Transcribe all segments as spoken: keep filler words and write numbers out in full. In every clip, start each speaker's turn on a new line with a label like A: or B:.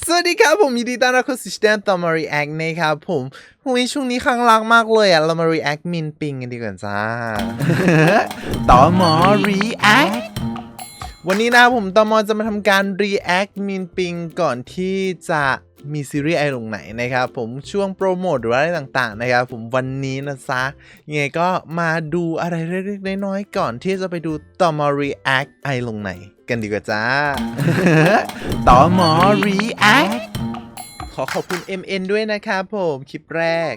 A: สวัสดีครับผมยินดีต้อนรับเข้าสู่ช่องต่อมา react นะครับผมหุยช่วงนี้ครั้งรักมากเลยอ่ะเรามา react มินปิงกันดีกว่าจ้า ต่อมอ react วันนี้นะผมต่อมอจะมาทำการ react มินปิงก่อนที่จะมีซีรีส์ไอลงไหนนะครับผมช่วงโปรโมทหรืออะไรต่างๆนะครับผมวันนี้นะซะยังไงก็มาดูอะไรเล็กๆน้อยๆก่อนที่จะไปดูต่อมอ react ไอลงไหนกันดีกว่าจ้า ต่อมอ react ขอขอบคุณ เอ็ม เอ็น ด้วยนะครับผมคลิปแรก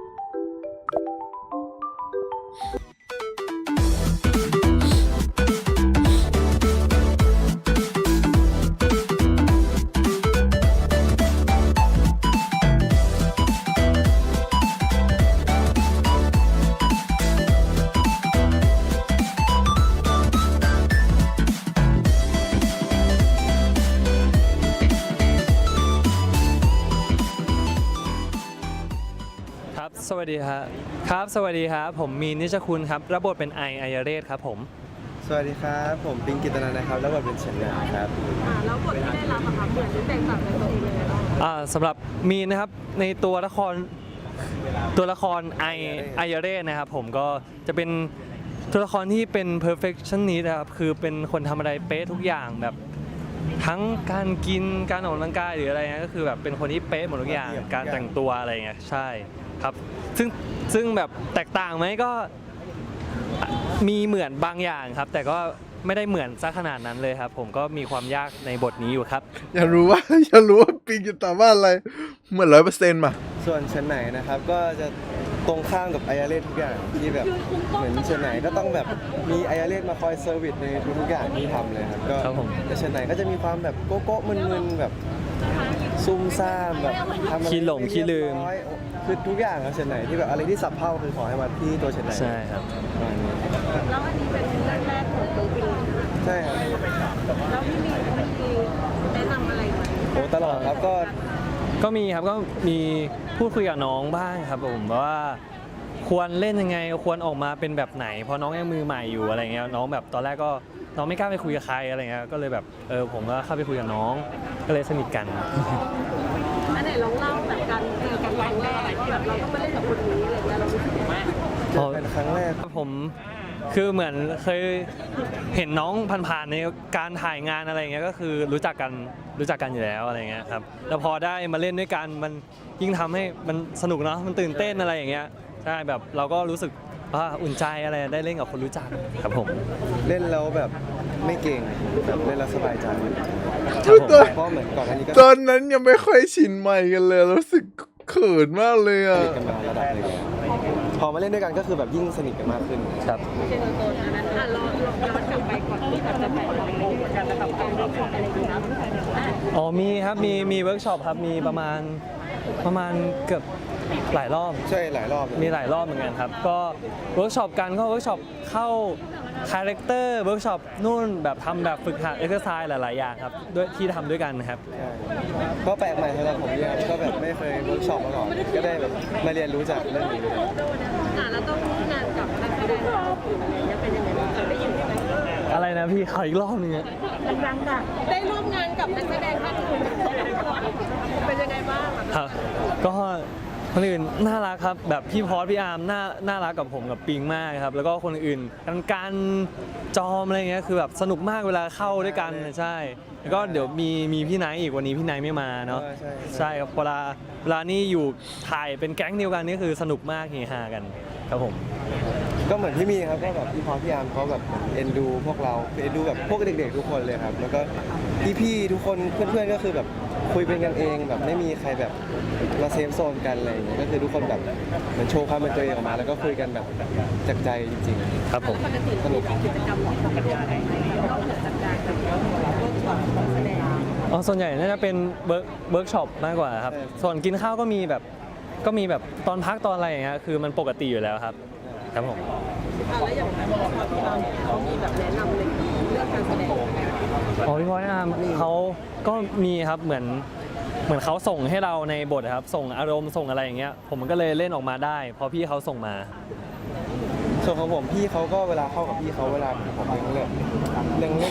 B: ครับสวัสดีครับครับสวัสดีครับผมมีนนิชคุณครับรับบทเป็นไอไอยเรศครับผม
C: สวัสดีครับผมปิงกิตนันนะครับแล้วบทเป็นเฉียนหยางครับ
D: อ่าแล้วบทที่ได้รับอะค่ะเหมือนหรือแตกต่างจากตัวเองเลยไหม
B: อ่าสำหรับมีนนะครับในตัวละครตัวละครไอไอยเรศนะครับผมก็จะเป็นตัวละครที่เป็น perfectionist นะครับคือเป็นคนทำอะไรเป๊ะทุกอย่างแบบทั้งการกินการออกกำลังกายหรืออะไรเงี้ยก็คือแบบเป็นคนที่เป๊ะหมดทุกอย่างการแต่งตัวอะไรเงี้ยใช่ครับซึ่งซึ่งแบบแตกต่างไหมก็มีเหมือนบางอย่างครับแต่ก็ไม่ได้เหมือนซะขนาดนั้นเลยครับผมก็มีความยากในบทนี้อยู่ครับ
A: อยากรู้ว่า อยากรู้ว่าปิงจะตอบว่าอะไรเหมือนร้อยเปอร์เซ็นต์ป่ะ
C: ส่วนเฉียนไหนนะครับก็จะตรงข้ามกับไอยาเรศทุกอย่างที่แบบเหมือนเฉียนไหนก็ต้องแบบมีไอยาเรศมาคอยเซอร์วิสในทุกๆอย่างที่ทำเลยครับก็แต่เฉียนไหนก็จะมีความแบบโก๊ะๆมึนๆแบบซุ่มซ่ามแบบทำอะไร
B: ขี้หลงขี้ลืม
C: คือทุกอย่างครับเฉียนไหนที่แบบอะไรที่สับเพ่าคือขอให้มาที่ตัวเฉียนไหน
B: ใช่ครับ
D: แล้วอันนี้เป็นเรื่องแรกของตัวปิง
C: ใช่ครับ
D: แล้วพี่มีมีแนะนำอะไรไหม
C: โอ้ตลอดครับก็
B: ก็มีครับก็มีพูดคุยกับน้องบ้างครับผมว่าควรเล่นยังไงควรออกมาเป็นแบบไหนเพราะน้องยังมือใหม่อยู่อะไรเงี้ยน้องแบบตอนแรกก็น้องไม่กล้าไปคุยกับใครอะไรเงี้ยก็เลยแบบเออผมก็เข้าไปคุยกับน้องก็เลยสนิทกัน
D: อันไหนลองเล่าแบบการเจอกันครั้งแรกแบบเราต้องไปเล่นกับคนนี้อะไรเงี้ยเรารู้สึกยังไง
C: เจอเป็นครั้งแรก
B: ผมคือเหมือนเคยเห็นน้องผ่านๆในการถ่ายงานอะไรเงี้ยก็คือรู้จักกันรู้จักกันอยู่แล้วอะไรเงี้ยครับแล้วพอได้มาเล่นด้วยกันมันยิ่งทำให้มันสนุกเนาะมันตื่นเต้นอะไรอย่างเงี้ยใช่แบบเราก็รู้สึกว่าอุ่นใจอะไรได้เล่นกับคนรู้จักครับผม
C: เล่นแล้วแบบไม่เก่งแบบเล่นแล้วสบายใจ
B: ครับผม
C: เพราะเหมือนก่อนอันนี้ก็
A: ตอนนั้นยังไม่ค่อยชินใหม่กันเลยรู้สึกเขินมากเลยอ่ะ
C: สนิทกันมาระดับหนึงพอมาเล่นด้วยกันก็คือแบบยิ่งสนิทกันมากขึ้น
B: ครับ
D: เจอตัวนั้นอ่ะลองลองย้อนกลับไปก่อนที่แบบจะไปโรงกันแล้วกับการเล่นอะไรอย่างเงี้ยครับ
B: อ๋อมีครับมีมีเวิร์กช็อปครับมีประมาณประมาณเกือบหลายรอบ
C: ใช่หลายรอบเลย
B: มีหลายรอบเหมือนกันครับก็เวิร์กช็อปกันก็เวิร์กช็อปเข้าคาแรคเตอร์เวิร์กช็อปนู่นแบบทำแบบฝึกหัดเอ็กซ์ไซส์หลาย ๆ อย่างครับด้วยที่ทำด้วยกันนะครับ
C: ใช่ก็แปลกใหม่สำหรับผมเนี่ยก็แบบไม่เคยเวิร์กช็อปมาก่อนก็ได้แบบมาเรียนรู้จากเรื่องนี้
D: อ่ะแล้วต้องร่วมงานกับนักแสดงอะไรเงี้ยเป็นยังไงบ้างได้ยินไหม
B: อะไรนะพี่ขออีกรอบนึงอะ
D: ดังๆค่ะได้ร่วมงานกับนักแสดงท่านอื่นเป็นยังไงบ้างอะ
B: ครับก็คนอื่นน่ารักครับแบบพี่พอสพี่อาร์มน่าน่ารักกับผมกับปิงมากครับแล้วก็คนอื่นกันการจอมอะไรเงี้ยคือแบบสนุกมากเวลาเข้าด้วยกันใช่แล้วก็เดี๋ยวมีมีพี่ไนท์อีกวันนี้พี่ไนท์ไม่มาเนาะ
C: ใช่
B: ใช่ครับเวลาเวลานี่อยู่ถ่ายเป็นแก๊งเดียวกันนี่คือสนุกมากเฮฮากันครับผม
C: ก็เหมือนพี่มีครับก็แบบพี่พอพี่อาร์มเขาแบบเอ็นดูพวกเราเอ็นดูแบบพวกเด็กๆทุกคนเลยครับแล้วก็พี่ๆทุกคนเพื่อนๆก็คือแบบคุยเป็นกันเองแบบไม่มีใครแบบมาเซฟโซนกันอะไรอย่างเงี้ยก็คือทุกคนแบบเหมือนโชว์ความเป็นตัวเองออกมา แล้วก็คุยกันแบบจากใจจริง
B: ครับผม
D: ปกติสนุกกิจกรรมของปกติอะไรนอกเหนือจากการแบบเวิร์กช็อปแสดง
B: อ๋อส่วนใหญ่น่าจะเป็นเวิร์กเวิร์กช็อปมากกว่าครับส่วนกินข้าวก็มีแบบก็มีแบบตอนพักตอนอะไรอย่างเงี้ยคือมันปกติอยู่แล้วครับครับผม
D: อ่ะแล้วอย่างพี่พอพี่อาร์มเขามีแบบแนะนำในเรื่องการแสดง
B: อ๋อพี่พอยอาร์มเขาก็มีครับเหมือนเหมือนเขาส่งให้เราในบทครับส่งอารมณ์ส่งอะไรอย่างเงี้ยผมก็เลยเล่นออกมาได้เพราะพี่เขาส่งมา
C: ๆส่วนของผมพี่เขาก็เวลาเข้ากับพี่เขาเวลาผมเรื่องเรื่องเรื่องเล่น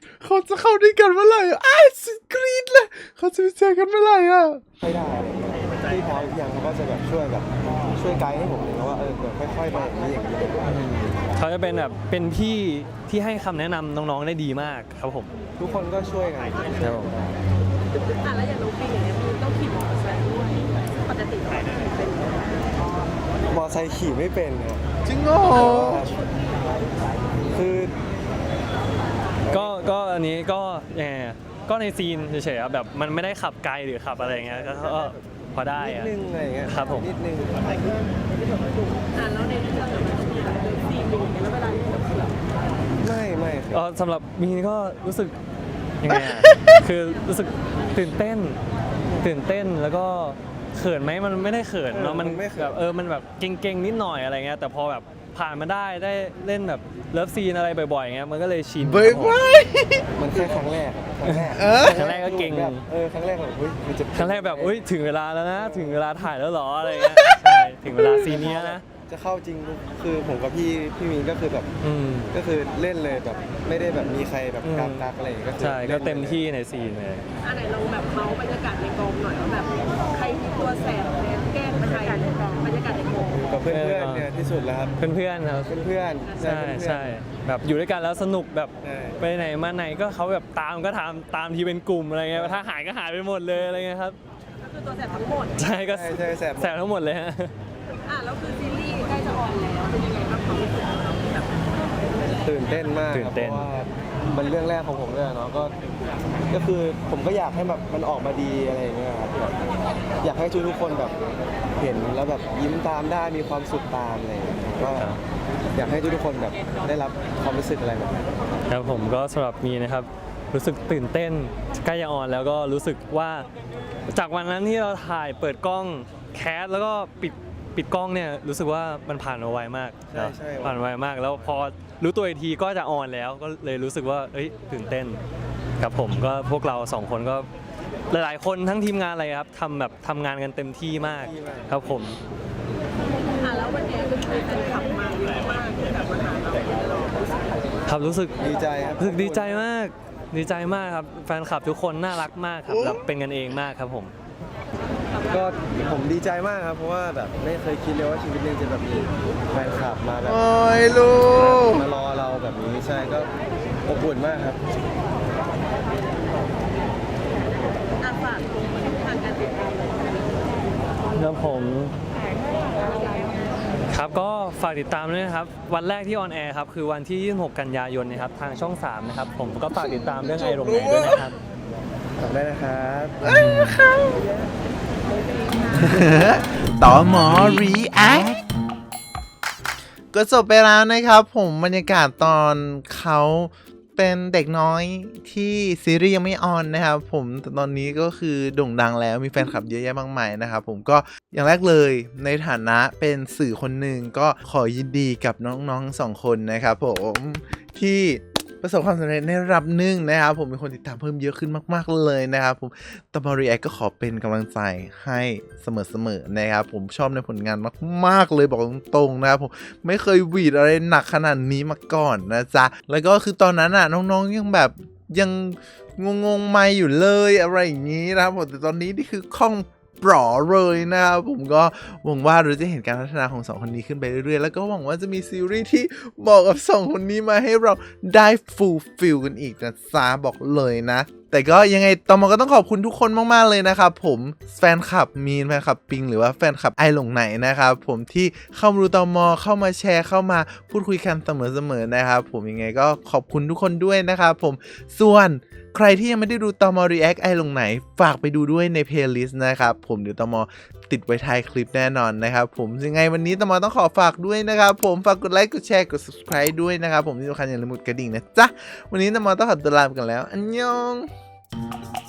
A: เขาจะเข้าด้วยกันเมื่อไหร่อะอ้ายสุดกรี๊ดเลยเขาจะไปเจอกันเมื่อไหร่อ่ะ
C: ไม่ได้อะไรเงี้ยพี่พอพี่ยามเขาก็จะแบบช่วยแบบช่วยไกด์ให้ผมเลยนะว่าเออแบบค่อยๆไปอย่างนี้อย่างนี้
B: เขาจะเป็นแบบเป็นพี่ที่ให้คำแนะนำน้องๆได้ดีมากครับผม
C: ทุกคนก็ช่วยกัน
B: ครับผม
D: อ่ะแล้วอย่างน้องปิงอย่างเงี้ยมันต้องขี่มอเตอร์ไซค์ด้วยปกติเราขี่เป็นไหม
C: มอไซค์ขี่ไม่เป็นครับ
A: จริงเหรอ
C: คือ
B: ก็ก็อันนี้ก็ยังไงอะก็ในซีนเฉยๆอะแบบมันไม่ได้ขับไกลหรือขับอะไรเงี้ยก็ก็พอได้
C: นิด
B: อะ
C: นึงอะไรเงี้ย
B: ครับผม
C: นิดนึง
D: อ่ะแล้วในเรื่องอะมันมีแบบซีนหนึ่งแล้วเวลาที่เราขี่
C: ไม่ไม่ครับ
B: เออสำหรับมีนก็รู้สึกยังไงอะ คือรู้สึกตื่นเต้น ตื่นเต้นแล้วก็เขินไหมมันไม่ได้เขินเนาะมันแบบเออมันแบบเก่งๆนิดหน่อยอะไรเงี้ยแต่พอแบบผ่านมาได้ได้เล่นแบบเลิฟซีนอะไรบ่อยๆเงี้ยมันก็เลยชิน
A: เบ้ย
B: ครับผม
A: เว้ย
C: มันแค่ครั้งแรกอะครั้งแรก
A: เออ
B: ครั้งแรกก็เก่ง
C: แบบเออครั้งแรกแบบเฮ้ยมันจะ
B: ครั้งแรกแบบอุ้ยถึงเวลาแล้วนะ ถึงเวลาถ่ายแล้วเหรออะไรเงี้ยใช่ถึงเวลาซีนเนี้ยนะ
C: จะเข้าจริงคือผมกับพี่พี่มีนก็คือแบบ
B: อืม
C: ก็คือเล่นเลยแบบไม่ได้แบบมีใครแบบ
B: อืม
C: กักกักอะไรอย่างเงี้ยก็คือ
B: ใช่ก็
C: ล่นลย
B: เต็มที่ในซีนเลย
D: อ่ะไหนลองแบบเมาส์บรรยากาศในกองหน่อยว่าแบบใครมีตัวแสบเนี่ยแกล้งใครบรรยากาศในกอง
C: อยู่กับเพื่อนๆเนี่ยที่สุดแล้วครับ
B: เพื่อนๆครับ
C: เพื่อนๆ
B: ใช่
C: เพื่อนๆ
B: ใช่แบบอยู่ด้วยกันแล้วสนุกแบบ
C: ใช่
B: ไปไหนมาไหนก็เขาแบบตามก็ตามตามที่เป็นกลุ่มอะไรเงี้ยถ้าหายก็หายไปหมดเลยอะไรเงี้ยครับ
D: ก็คือตัวแสบทั้งหมด
B: ใช่ก็
C: ใช่ใช่แสบ
B: แสบทั้งหมดเลยฮะ
D: อ่ะแล้วคือซีรีส์ใกล้จะออนแล้วเป็นยังไงบ้างความรู้สึกของเราที่แบบ
C: ตื่นเต้นมาก
B: ตื่
C: ครับ
B: นเต้น
C: เพราะว่ามันเรื่องแรกของผมเลยอะเนาะก็ก็คือผมก็อยากให้แบบมันออกมาดีอะไรอย่างเงี้ยครับแบบอยากให้ทุกทุกๆคนแบบเห็นแล้วแบบยิ้มตามได้มีความสุขตามอะไรอย่างเงี้ยก็อยากให้ทุกทุกๆคนแบบได้รับความรู้สึกอะไรแบบนั้น
B: ครับผมก็สำหรับมีนะครับรู้สึกตื่นเต้นใกล้จะออนแล้วก็รู้สึกว่าจากวันนั้นที่เราถ่ายเปิดกล้องแคสแล้วก็ปิดปิดกล้องเนี่ยรู้สึกว่ามันผ่านมาไวมาก
C: ใช่ใช่
B: ผ่านมาไวมาก แล้วพอรู้ตัวอีกทีก็จะออนแล้วก็เลยรู้สึกว่าเอ้ยตื่นเต้นครับผมก็พวกเราสองคนก็หลายๆคนทั้งทีมงานอะไรครับทำแบบทำงานกันเต็มที่มากครับผม
D: อ่ะแล้ววันนี้ก็คือแฟนคลับมาเยอะมากที่แบบมาหาเราเรารู้สึก
B: ครับรู้สึก
C: ดีใจครับ
B: รู้สึกดีใจมากดีใจมากครับแฟนคลับทุกคนน่ารักมากครับแล้วเป็นกันเองมากครับผม
C: ก็ผมดีใจมากครับเพราะว่าแบบไม่เคยคิดเลยว่าชีวิตหนึงจะแบบมีแฟนคลับมาแบบ
A: โอ้ยลูก
C: มารอเราแบบนี้ใช่ก็อบอุ่นมากครับ
D: อ่ะฝากทางการติดตามเลย
B: แล้วผมครับก็ฝากติดตามด้วยนะครับ วันแรกที่ออนแอร์ครับ คือวันที่ยี่สิบหกกันยายนนะครับ ทางช่องสามนะครับ ผมก็ฝากติดตามเรื่องไอโรงไหนด้วยนะครับ
C: ขอบได้นะครับ
A: ต่อหมอ react ก็จบไปแล้วนะครับผมบรรยากาศตอนเขาเป็นเด็กน้อยที่ซีรีส์ยังไม่ออนนะครับผมแต่ตอนนี้ก็คือโด่งดังแล้วมีแฟนคลับเยอะแยะมากมายนะครับผมก็อย่างแรกเลยในฐานะเป็นสื่อคนหนึ่งก็ขอยินดีกับน้องๆสองคนนะครับผมที่ประสบความสำเร็จในระดับหนึ่งนะครับผมมีคนติดตามเพิ่มเยอะขึ้นมากๆเลยนะครับผมตอมอรีแอคก็ขอเป็นกำลังใจให้เสมอๆนะครับผมชอบในผลงานมากๆเลยบอกตรงๆนะครับผมไม่เคยหวีดอะไรหนักขนาดนี้มาก่อนนะจ๊ะแล้วก็คือตอนนั้นอ่ะน้องๆยังแบบยังงงๆไม่อยู่เลยอะไรอย่างนี้นะครับผมแต่ตอนนี้นี่คือคล่องปลอเลยนะครับผมก็หวังว่าเราจะเห็นการพัฒนาของสองคนนี้ขึ้นไปเรื่อยๆแล้วก็หวังว่าจะมีซีรีส์ที่บอกกับสองคนนี้มาให้เราได้ฟูลฟิลกันอีกนะจ๊ะบอกเลยนะแต่ก็ยังไงตอมอก็ต้องขอบคุณทุกคนมากๆเลยนะครับผมแฟนคลับมีนแฟนคลับปิงหรือว่าแฟนคลับไอหลงไหนนะครับผมที่เข้ามาดูตอมอเข้ามาแชร์เข้ามาพูดคุยกันเสมอๆนะครับผมยังไงก็ขอบคุณทุกคนด้วยนะครับผมส่วนใครที่ยังไม่ได้ดูตอมอ react ไอหลงไหนฝากไปดูด้วยในเพลย์ลิสต์นะครับผมเดี๋ยวตอมอติดไว้ท้ายคลิปแน่นอนนะครับผมยังไงวันนี้ตอมอต้องขอฝากด้วยนะครับผมฝากกดไลค์กดแชร์กด subscribe ด้วยนะครับผมที่สำคัญอย่าลืมกดกระดิ่งนะจ๊ะวันนี้ตอมอต้องขอตัวลาไปก่อนแล้วอันยอง